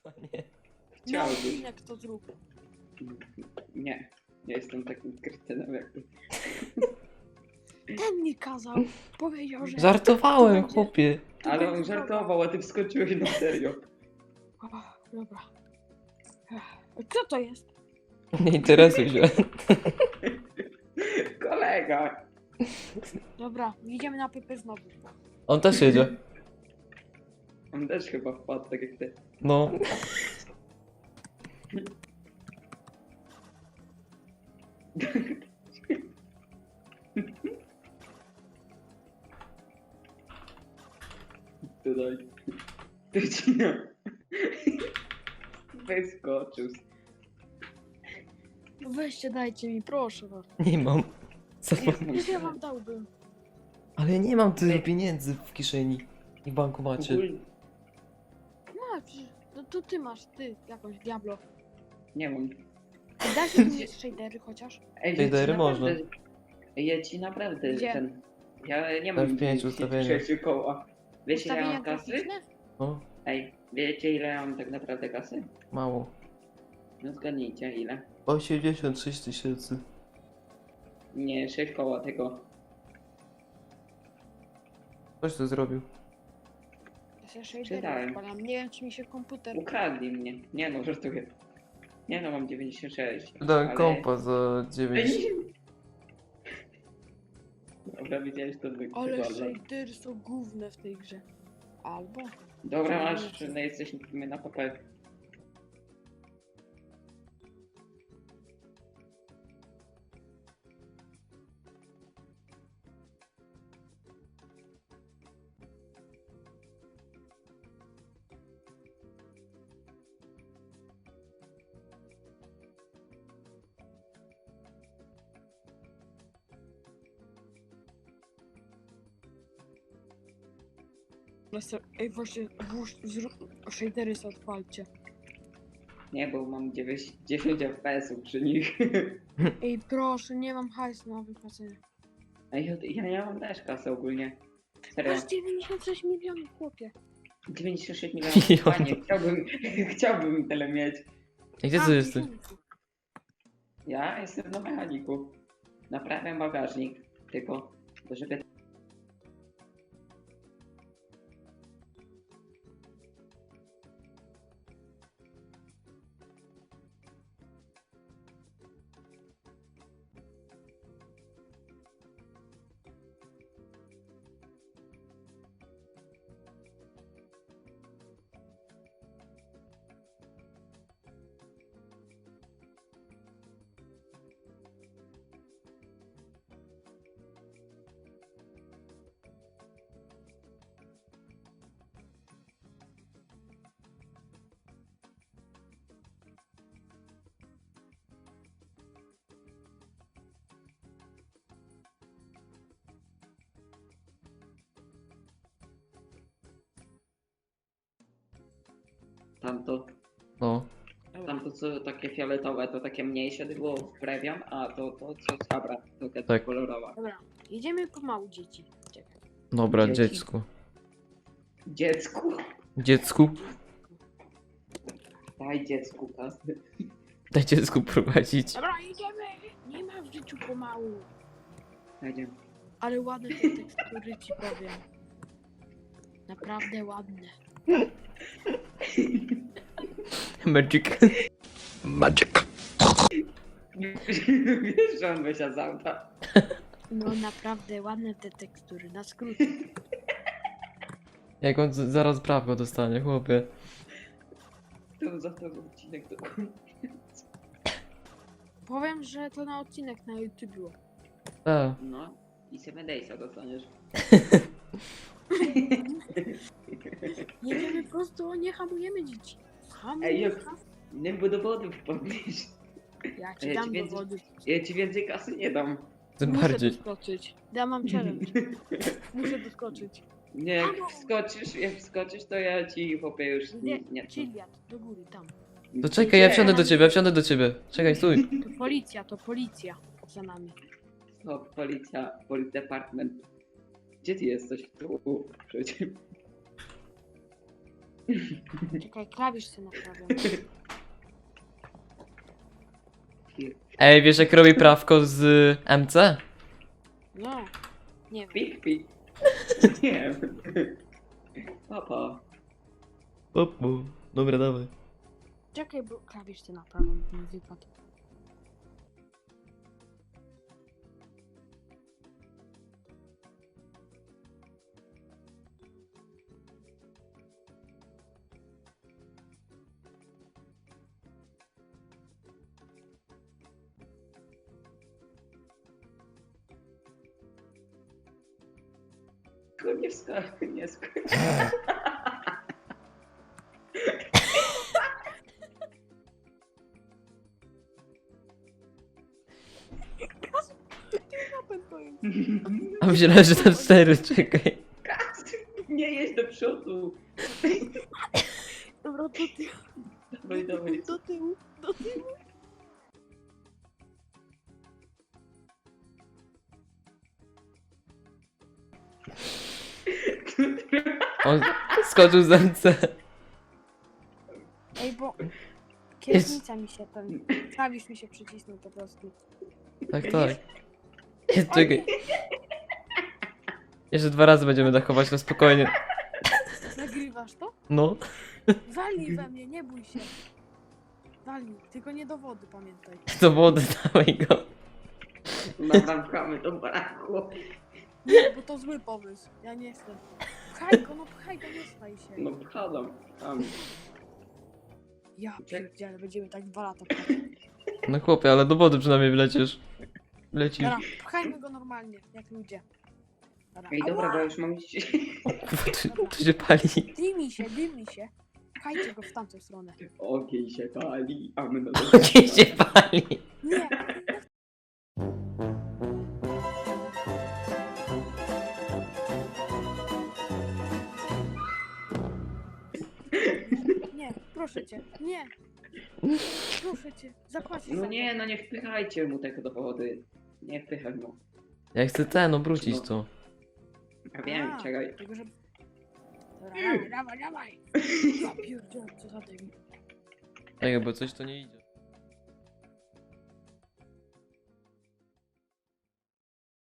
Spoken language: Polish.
Nie. Na Chciałbym. odcinek to zrób. Nie. Nie jestem takim kretynem jak ty. Ten mi kazał. Powiedział, że... Żartowałem, Tu będzie- chłopie. tu Ale on będzie żartował, a ty wskoczyłeś na serio. droga. O, dobra. Kto to jest? Nie interesuj się. Kolega. Dobra, idziemy na Pepe znowu. On też jedzie. On też chyba wpadł tak jak ty. No. Tutaj. Ty ci no. Wyskoczył. Weźcie, dajcie mi, proszę was. Nie mam. Co? Już ja wam dałbym. Ale nie mam tyle pieniędzy w kieszeni i w bankomacie. Ogólnie Masz, no to ty masz, ty, jakąś Diablo. nie mam. Dasz mi shadery chociaż? Ej, Shadery ja ci można. naprawdę- Ja ci naprawdę Gdzie? ten... Ja nie mam F5 ustawienia. 6 koła. Wiecie ile ja Ustawienia mam kasy? graficzne? No, Ej, wiecie ile ja mam tak naprawdę kasy? mało. No zgadnijcie ile. 86 000. Nie, 6 koła tego. Ktoś to zrobił. Ja sobie shadery Czytałem. odpalam. Nie wiem, czy mi się komputer... Ukradli mnie. Nie no, żartuję. Nie no, mam 96. Dałem ale- kompa za 9. Dobra, widziałeś to Ale wygląda. shadery są główne w tej grze. Albo... Dobra, masz, no jesteśmy na papel. Ej, właśnie, shadery sobie odpalcie. Nie, bo mam 10 FPS-ów przy nich. Ej, proszę, nie mam hajsu na wypłacenie. Ej, ja nie mam też kasy ogólnie. Serio. Masz 96 milionów, chłopie. 96 milionów. Milion. Panie, chciałbym tyle mieć. I gdzie A, ty jesteś? milionów. Ja jestem na mechaniku. Naprawiam bagażnik. Tylko, żeby... Tamto, No. tamto co takie fioletowe, to takie mniejsze było wprawiam, a to co sabra, to taka Tak. kolorowa. Dobra, jedziemy pomału, dzieci. Czekaj. Dobra, Dzieci. dziecku. Dziecku, Dziecku. daj dziecku kasy. Daj dziecku prowadzić. Dobra, jedziemy! Nie ma w życiu pomału. Dajcie. Ale ładne te tekstury ci powiem. Naprawdę ładne. Magic. Wiesz, że on wysiadł z auta. No naprawdę ładne te tekstury, na skrót. Jak on zaraz prawko dostanie, chłopie. To za to odcinek to... Powiem, że to na odcinek na YouTube było. A, No i 7 Daysa dostaniesz. Jedziemy prosto, nie hamujemy dzieci. Ej, Hamuj, jak nie bo do wody wpadniesz. ja ci ja dam ci do więcej- wody. Ja ci więcej kasy nie dam. tym Muszę bardziej. doskoczyć. Ja mam challenge. Muszę doskoczyć. Nie, jak wskoczysz, to ja ci chłopie już nie. Chiliad, do góry, tam. To czekaj, ja wsiądę do ciebie, ja wsiądę do ciebie. Czekaj, stój. To policja za nami. O, policja, police department. Gdzie ty jesteś? Tu, przecież. Czekaj, klawisz sobie naprawiam. Ej, wiesz jak robi prawko z MC? No, nie wiem. Pik, pik. Nie wiem. Papa. Opu. Dobra, dawaj. Czekaj, bo klawisz sobie naprawiam, bo mi wypadł. Nie skacz, nie skacz. A myślałem, że to 4, czekaj. Nie jedź do przodu. Dobra, do tyłu, Dawaj, dawaj. do tyłu, do tyłu. On skoczył z MC. Ej, bo kierownica mi się ten... Klawisz mi się przycisnął po prostu. Tak, tak. Czekaj. Jeszcze 2 razy będziemy dachować, no spokojnie. Nagrywasz to? No. Walnij we mnie, nie bój się. Walnij, tylko nie do wody, pamiętaj. Do wody dawaj go. Nawracamy do baraku. Nie, bo to zły pomysł. Ja nie chcę. Pchaj go, no pchaj go, nie staj się. No pchadam. Tam. Ja pierdzielę, będziemy tak 2 lata pchać. No chłopie, ale do wody przynajmniej wlecisz. Lecisz. Dobra, pchajmy go normalnie, jak ludzie. Dobra, Ej, dobra, bo już mam iść. To się pali. dymi się, dymi się. Pchajcie go w tamtą stronę. Ogień się pali, a my na Ogień się pali. Nie, nie, proszę cię, nie. Proszę cię, zapłacisz za No to. nie, no nie wpychajcie mu tego do wody. Nie wpychaj mu. Ja chcę ten obrócić to. Ja wiem, A, czekaj. Tylko, że... Dobra, dawaj, dawaj, dawaj. Ja pierdzielę, co za debil. Czekaj, bo coś to nie idzie.